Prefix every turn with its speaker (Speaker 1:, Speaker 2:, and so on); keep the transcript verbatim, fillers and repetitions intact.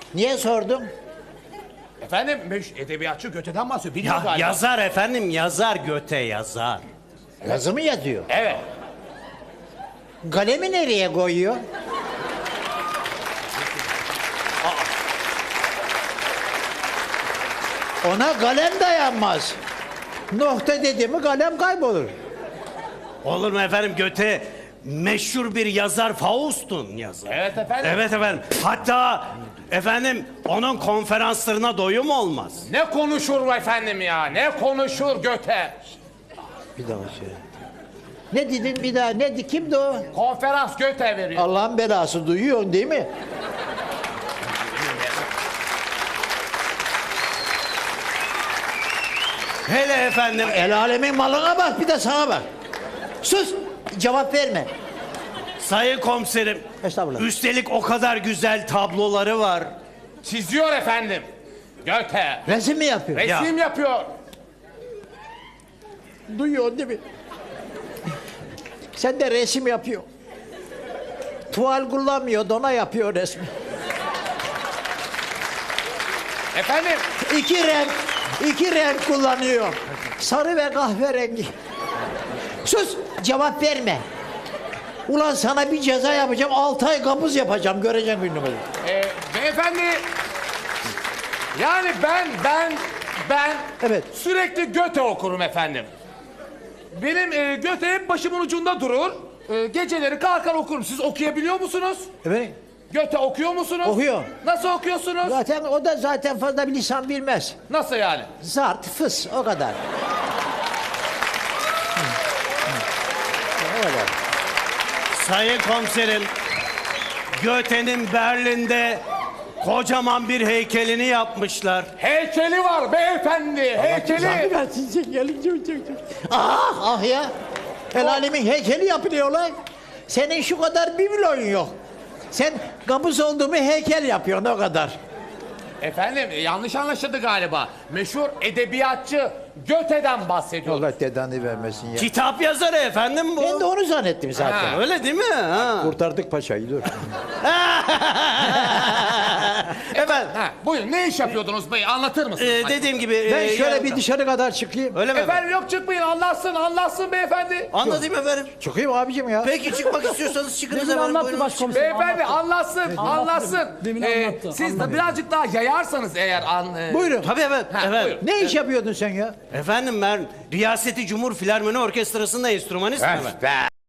Speaker 1: Niye sordun?
Speaker 2: Efendim meş- edebiyatçı Göte'den bahsediyor. Biliyor
Speaker 3: Ya,
Speaker 2: galiba.
Speaker 3: yazar efendim, yazar Göte yazar.
Speaker 1: Yazı mı yazıyor?
Speaker 2: Evet.
Speaker 1: Kalemi nereye koyuyor? Ona kalem dayanmaz. Nokta dedi mi kalem kaybolur.
Speaker 3: Olur mu efendim, Göte meşhur bir yazar, Faust'un yazarı.
Speaker 2: Evet efendim.
Speaker 3: Evet efendim. Hatta efendim onun konferanslarına doyum olmaz.
Speaker 2: Ne konuşur efendim ya? Ne konuşur Göte?
Speaker 1: Bir daha söyle. Ne dedin bir daha? Ne di- kimdi o?
Speaker 2: Konferans Göte veriyor.
Speaker 1: Allah'ın belası duyuyorsun değil mi?
Speaker 3: Hele efendim.
Speaker 1: El alemin malına bak bir de sana bak. Sus cevap verme.
Speaker 3: Sayın komiserim.
Speaker 1: Estağfurullah.
Speaker 3: Üstelik o kadar güzel tabloları var.
Speaker 2: Çiziyor efendim. Göte.
Speaker 1: Resim mi yapıyor?
Speaker 2: Resim yapıyor.
Speaker 1: Duyuyorsun değil mi? Sen de resim yapıyor. Tuval kullanmıyor, dona yapıyor resmi.
Speaker 2: Efendim
Speaker 1: İki renk, iki renk kullanıyor. Sarı ve kahverengi. Sus, cevap verme. Ulan sana bir ceza yapacağım, altı ay kabuz yapacağım, göreceksin gününü.
Speaker 2: e, beyefendi yani ben ben ben
Speaker 1: Evet.
Speaker 2: sürekli Göte okurum efendim. Benim e, Göte hep başımın ucunda durur. E, geceleri kalkar okurum. Siz okuyabiliyor musunuz?
Speaker 1: Evet.
Speaker 2: Göte okuyor musunuz?
Speaker 1: Okuyor.
Speaker 2: Nasıl okuyorsunuz?
Speaker 1: Zaten o da zaten fazla bir lisan bilmez.
Speaker 2: Nasıl yani?
Speaker 1: Zart, fıs, o kadar. O kadar.
Speaker 3: Sayın komiserim, Göte'nin Berlin'de kocaman bir heykelini yapmışlar.
Speaker 2: Heykeli var beyefendi. Heykeli.
Speaker 1: Ben size gelince Ah ah ya. El alemin heykeli yapılıyor lan. Senin şu kadar bir milyon yok. Sen kabus olduğumu heykel yapıyorsun o kadar.
Speaker 2: Efendim e, yanlış anlaşıldı galiba. Meşhur edebiyatçı Göte'den bahsediyor.
Speaker 1: Allah dedanı vermesin ya.
Speaker 3: Kitap yazarı efendim bu.
Speaker 1: Ben de onu zannettim zaten.
Speaker 2: Ha.
Speaker 3: Öyle değil mi? Ha.
Speaker 1: Kurtardık paşayı dur.
Speaker 3: Efendim,
Speaker 2: Ha, buyurun ne iş yapıyordunuz bey anlatır mısınız?
Speaker 3: e, dediğim gibi...
Speaker 1: Ben
Speaker 3: e,
Speaker 1: şöyle
Speaker 3: ya-
Speaker 1: bir dışarı kadar çıkayım.
Speaker 3: Öyle mi efendim?
Speaker 2: Efendim yok çıkmayın anlatsın anlatsın beyefendi.
Speaker 3: Anlatayım efendim.
Speaker 1: Çıkayım abicim ya.
Speaker 3: Peki çıkmak istiyorsanız çıkınız
Speaker 4: Demin
Speaker 3: efendim.
Speaker 4: anlattı
Speaker 3: buyurun.
Speaker 4: başkomiserim.
Speaker 2: Beyefendi
Speaker 4: anlattı.
Speaker 2: anlatsın anlatsın.
Speaker 4: Demin
Speaker 2: Ee,
Speaker 4: anlattı,
Speaker 2: siz de
Speaker 4: anlattı.
Speaker 2: birazcık daha yayarsanız eğer an, e,
Speaker 1: Buyurun.
Speaker 3: Tabii efendim.
Speaker 2: Ha,
Speaker 3: efendim.
Speaker 2: buyurun.
Speaker 1: Ne iş yapıyordun sen ya?
Speaker 3: Efendim ben Riyaseti Cumhur Filarmoni Orkestrası'nda enstrümanistim efendim.
Speaker 2: be.